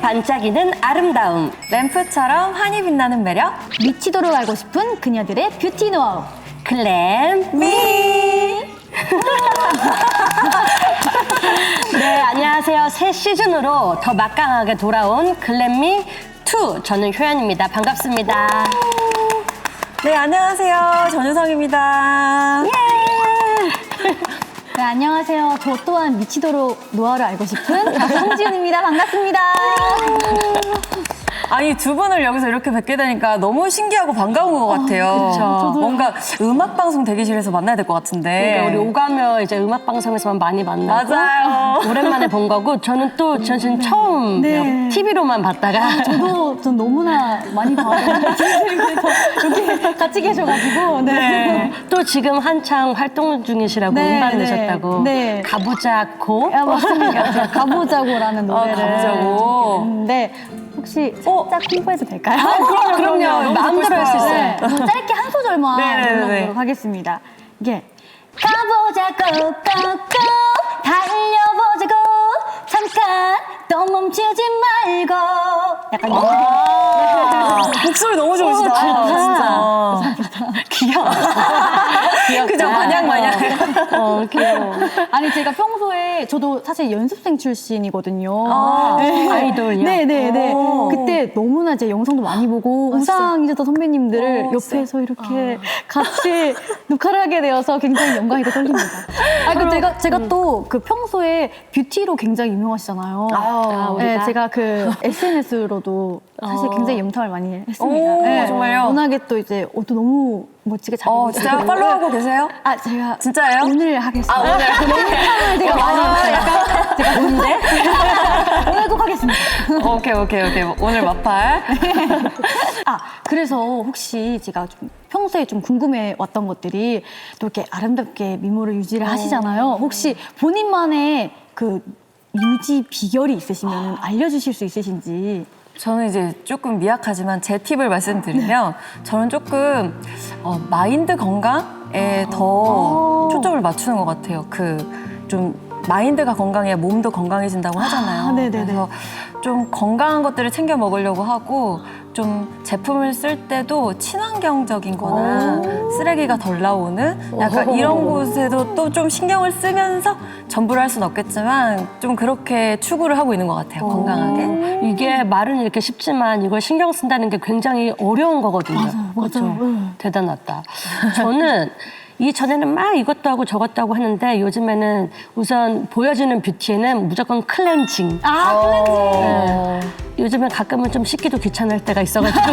반짝이는 아름다움. 램프처럼 환히 빛나는 매력. 미치도록 알고 싶은 그녀들의 뷰티 노하우. 글램미. 네, 안녕하세요. 새 시즌으로 더 막강하게 돌아온 글램미 2. 저는 효연입니다. 반갑습니다. 네, 안녕하세요. 전유성입니다. 네, 안녕하세요. 저 또한 미치도록 노하우를 알고 싶은 성지훈입니다. 반갑습니다. 아니, 두 분을 여기서 이렇게 뵙게 되니까 너무 신기하고 반가운 것 같아요. 그쵸. 뭔가 음악방송 대기실에서 만나야 될 것 같은데. 그러니까 우리 오가며 이제 음악 방송에서만 많이 만나고 맞아요. 오랜만에 본 거고 저는 또 전신 처음 네. TV로만 봤다가 전 너무나 많이 봐요. 진실에서 이렇게 같이 계셔가지고. 네. 또 지금 한창 활동 중이시라고 네, 음반 네. 내셨다고. 네. 가보자고. 야, 맞습니다. 제가 가보자고라는 노래를 가보자고. 했는데 혹시 살짝 홍보해도 될까요? 그럼요. 마음대로 할 수 있어요. 네. 짧게 한 소절만 네네네. 불러보도록 하겠습니다. 이게 가보자고 꼭꼭 달려보자고 잠깐 또 멈추지 말고 약간 목소리 너무 좋으시다. 진짜. 귀여워. 그죠? 마냥. 귀여워. 아니 제가 평소에 저도 사실 연습생 출신이거든요. 아이돌이요? 네네네. 오. 그때 너무나 제 영상도 많이 보고 우상이셨던 선배님들을 옆에서 이렇게 같이 녹화를 하게 되어서 굉장히 영광이고 떨립니다. 제가 또 그 평소에 뷰티로 굉장히 유명하시잖아요. 네, 제가 그 SNS로도 사실 굉장히 염탐을 많이 했습니다. 오, 정말요? 워낙에 또 이제 옷도 너무 멋지게 잘 입으시고. 진짜 팔로우하고 계세요? 제가 진짜예요? 오늘 하겠습니다. 오늘. 영상을 제가 많이 했어요. 약간 제가 뭔데? 오늘 꼭 하겠습니다. 오케이. 오늘 마팔. 그래서 혹시 제가 좀 평소에 좀 궁금해 왔던 것들이 또 이렇게 아름답게 미모를 유지를 하시잖아요. 혹시 본인만의 그 유지 비결이 있으시면 알려주실 수 있으신지. 저는 이제 조금 미약하지만 제 팁을 말씀드리면 저는 조금 마인드 건강에 더 초점을 맞추는 것 같아요. 좀 마인드가 건강해야 몸도 건강해진다고 하잖아요. 네네네. 그래서 좀 건강한 것들을 챙겨 먹으려고 하고 좀 제품을 쓸 때도 친환경적인 거나 쓰레기가 덜 나오는 약간 이런 곳에도 또 좀 신경을 쓰면서 전부를 할 수는 없겠지만 좀 그렇게 추구를 하고 있는 것 같아요. 건강하게. 이게 말은 이렇게 쉽지만 이걸 신경 쓴다는 게 굉장히 어려운 거거든요. 맞아요. 대단하다. 저는 이전에는 막 이것도 하고 저것도 하고 하는데 요즘에는 우선 보여지는 뷰티에는 무조건 클렌징. 클렌징. 네. 요즘엔 가끔은 좀 씻기도 귀찮을 때가 있어가지고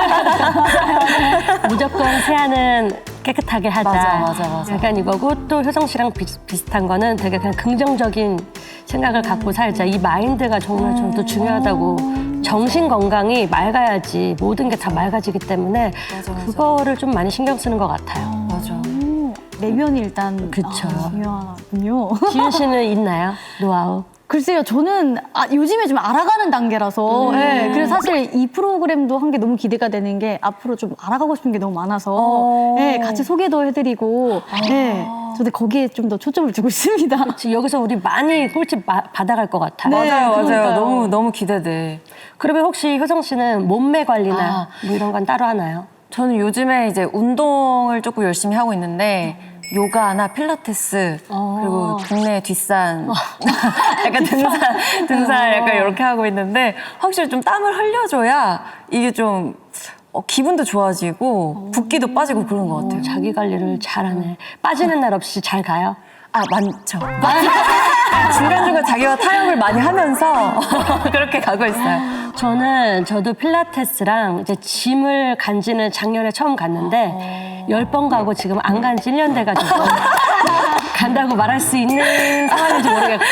무조건 세안은 깨끗하게 하자. 맞아. 약간 이거고 또 효성 씨랑 비슷한 거는 되게 그냥 긍정적인 생각을 갖고 살자. 이 마인드가 정말 저도 중요하다고. 정신 건강이 맑아야지 모든 게 다 맑아지기 때문에 맞아. 그거를 좀 많이 신경 쓰는 것 같아요. 맞아. 내면이 일단 그쵸. 중요하군요. 지윤 씨는 있나요? 노하우? 글쎄요, 저는 요즘에 좀 알아가는 단계라서 그래서 사실 이 프로그램도 한 게 너무 기대가 되는 게 앞으로 좀 알아가고 싶은 게 너무 많아서 같이 소개도 해드리고 저도 거기에 좀 더 초점을 두고 있습니다. 지금 여기서 우리 많이 꿀팁 받아갈 것 같아요. 맞아요. 그러니까요. 너무 기대돼. 그러면 혹시 효정 씨는 몸매 관리나 뭐 이런 건 따로 하나요? 저는 요즘에 이제 운동을 조금 열심히 하고 있는데 요가나 필라테스 그리고 동네 뒷산 약간 등산 약간 이렇게 하고 있는데 확실히 좀 땀을 흘려줘야 이게 좀 기분도 좋아지고 붓기도 빠지고 그런 것 같아요. 자기 관리를 잘하네. 빠지는 날 없이 잘 가요? 많죠. 중간중간 자기가 타협을 많이 하면서 그렇게 가고 있어요. 저도 필라테스랑 이제 짐을 간지는 작년에 처음 갔는데 10번 가고 지금 안 간 지 1년 돼가지고 간다고 말할 수 있는 상황인지 모르겠고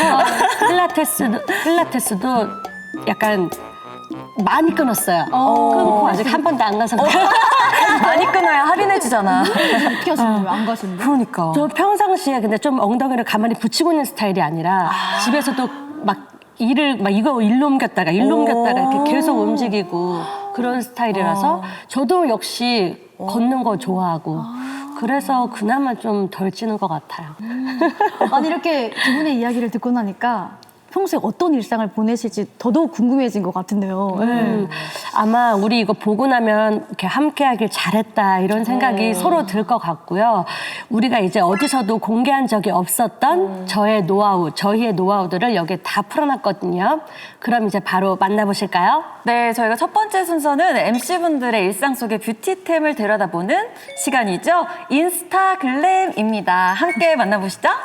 필라테스도 약간 많이 끊었어요. 끊고 아직 한 번도 안 간 상태. 많이 끊어야 할인해주잖아. 어떻게 하시는 거예요? 안 가시는 거예요? 그러니까. 저 평상시에 근데 좀 엉덩이를 가만히 붙이고 있는 스타일이 아니라 집에서도 막 이거 일로 옮겼다가 이렇게 계속 움직이고 그런 스타일이라서 저도 역시 걷는 거 좋아하고 그래서 그나마 좀 덜 찌는 것 같아요. 아니 이렇게 두 분의 이야기를 듣고 나니까 평소에 어떤 일상을 보내실지 더더욱 궁금해진 것 같은데요. 네. 아마 우리 이거 보고 나면 이렇게 함께하길 잘했다 이런 생각이 서로 들 것 같고요. 우리가 이제 어디서도 공개한 적이 없었던 저희의 노하우들을 여기에 다 풀어놨거든요. 그럼 이제 바로 만나보실까요? 네, 저희가 첫 번째 순서는 MC분들의 일상 속의 뷰티템을 들여다보는 시간이죠. 인스타글램입니다. 함께 만나보시죠.